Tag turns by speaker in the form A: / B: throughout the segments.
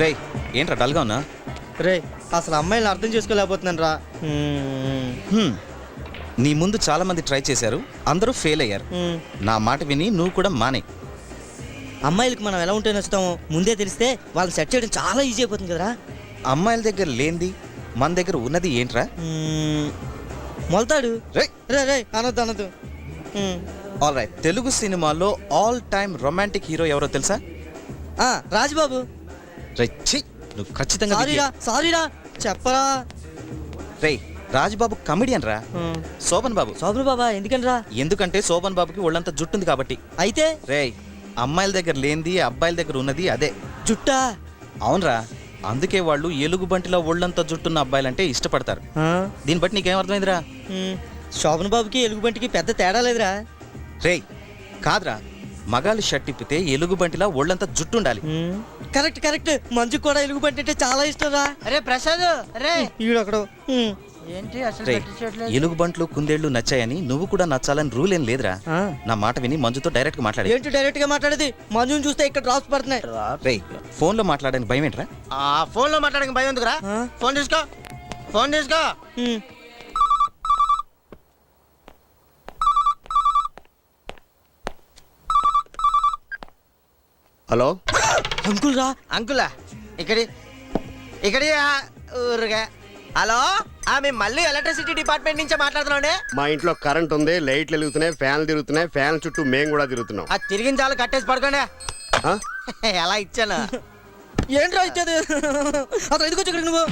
A: రేయ్ ఏంట్రా డల్గా ఉన్నా?
B: రే అసలు అమ్మాయిని అర్థం చేసుకోలేకపోతున్నాను రా.
A: నీ ముందు చాలా మంది ట్రై చేశారు, అందరూ ఫెయిల్ అయ్యారు. నా మాట విని నువ్వు కూడా మానే.
B: అమ్మాయిలకి మనం ఎలా ఉంటే నచ్చుతామో ముందే తెలిస్తే వాళ్ళని సెట్ చేయడం చాలా ఈజీ అయిపోతుంది కదరా.
A: అమ్మాయిల దగ్గర లేనిది మన దగ్గర ఉన్నది ఏంట్రా?
B: మొలతాడు.
A: రే
B: రే రే అనొద్దు అనొద్దు.
A: ఆల్ రైట్, తెలుగు సినిమాలో ఆల్ టైమ్ రొమాంటిక్ హీరో ఎవరో తెలుసా?
B: రాజుబాబు.
A: రైట్, నువ్వు ఖచ్చితంగా
B: సారీరా చెప్పరా.
A: రేయ్ రాజుబాబు కమెడియన్ రా. శోభన్ బాబు.
B: శోభన్ బాబా ఎందుకనరా?
A: ఎందుకంటే శోభన్ బాబుకి ఒళ్ళంతా జుట్టుంది కాబట్టి.
B: అయితే
A: రేయ్ అమ్మాయిల దగ్గర లేనిది అబ్బాయిల దగ్గర ఉన్నది అదే
B: జుట్టా.
A: అవునరా, అందుకే వాళ్ళు ఎలుగుబంటిలో ఒళ్ళంతా జుట్టున్న అబ్బాయిలంటే ఇష్టపడతారు. దీన్ని బట్టి నీకేం అర్థమైందిరా?
B: శోభన్ బాబుకి ఎలుగుబంటికి పెద్ద తేడా లేదురా.
A: రేయ్ కాదురా, మగాళ్ళు షర్ట్ ఇప్పితే ఎలుగుబంటిలా ఒళ్ళంతా జుట్టు ఉండాలి.
B: Correct correct. మంజుకు కూడా ఎలుగుబంటి అంటే చాలా ఇష్టం రా.
C: అరే ప్రసాద్, అరే
B: ఈడొకడు.
C: ఏంటి అసలు
A: రేయ్ ఎలుగుబంట్లు కుందేళ్లు నచ్చాయని నువ్వు కూడా నచ్చాలని రూల్ ఏం లేదురా. నా మాట విని మంజుతో డైరెక్ట్ గా మాట్లాడే.
B: ఏంటి డైరెక్ట్ గా మాట్లాడేది? మంజుని చూస్తే ఇక్కడ డ్రాప్స్ పడుతున్నాయి.
A: రేయ్ ఫోన్ లో మాట్లాడడానికి భయం ఏంట్రా?
C: ఫోన్ లో మాట్లాడడానికి భయం ఎందుకురా? ఫోన్ తీసుకో, ఫోన్ తీసుకో.
D: హలో
B: అంకుల్ రా.
C: అంకులా ఇక్కడి ఇక్కడి ఊరుగా. హలో, మేము మళ్ళీ ఎలక్ట్రిసిటీ డిపార్ట్మెంట్ నుంచే మాట్లాడుతున్నాండి.
D: మా ఇంట్లో కరెంట్ ఉంది, లైట్లు వెలుగుతున్నాయి, ఫ్యాన్లు తిరుగుతున్నాయి, ఫ్యాన్ చుట్టూ మేము కూడా తిరుగుతున్నాం.
C: అది తిరిగిన చాలు కట్టేసి పడుకోండి. ఎలా ఇచ్చాను?
B: ఏంట్రా ఇచ్చేది? అసలు ఎందుకు వచ్చి నువ్వు?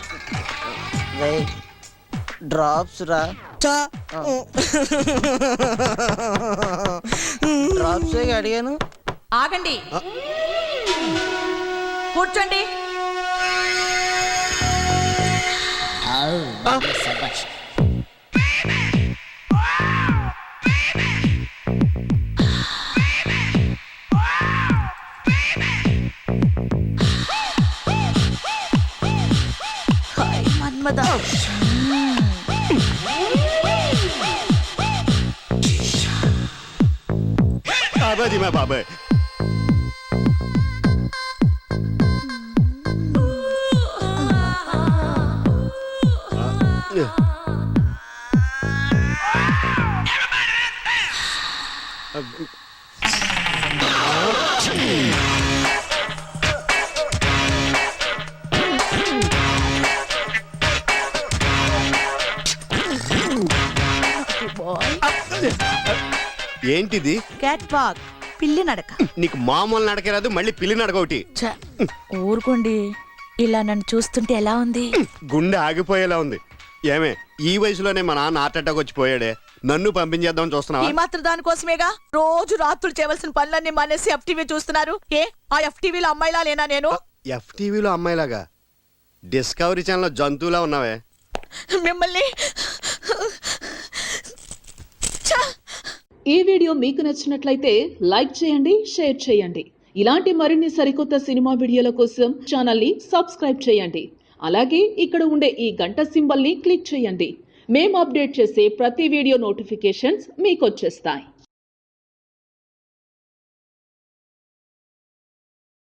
C: డ్రాప్స్ రా. డ్రాప్స్ అడిగాను.
E: ఆగండి, కూర్చోండి. మన్మదా
D: బాబాజీ మా బాబాయ్. ఏంటిది?
E: క్యాట్ వాక్, పిల్లి నడక.
D: నీకు మామూలు నడక రాదు, మళ్ళీ పిల్లి నడక ఒకటి.
E: ఊరుకోండి, ఇలా నన్ను చూస్తుంటే ఎలా ఉంది?
D: గుండె ఆగిపోయేలా ఉంది. ఏమే ఈ వయసులోనే మా నాన్న హార్ట్ అటాక్ వచ్చి పోయాడే, నన్ను పంపించేద్దామని చూస్తున్నావా?
E: ఈ మాత్రం దానికోసమేగా రోజు రాత్రులు చేయవలసిన పనులన్నీ మానేసి ఎఫ్టీవీ చూస్తున్నారు. ఆ ఎఫ్టీవీలో అమ్మాయిలా లేనా నేను?
D: ఎఫ్టీవీలో అమ్మాయిలాగా? డిస్కవరీ ఛానల్లో జంతువులా ఉన్నావే.
E: మిమ్మల్ని
F: ఈ వీడియో మీకు నచ్చినట్లయితే లైక్ చేయండి, షేర్ చేయండి. ఇలాంటి మరిన్ని సరికొత్త సినిమా వీడియోల కోసం ఛానల్ని సబ్స్క్రైబ్ చేయండి. అలాగే ఇక్కడ ఉండే ఈ గంట సింబల్ని క్లిక్ చేయండి. మేము అప్డేట్ చేసే ప్రతి వీడియో నోటిఫికేషన్స్ మీకు వచ్చేస్తాయి.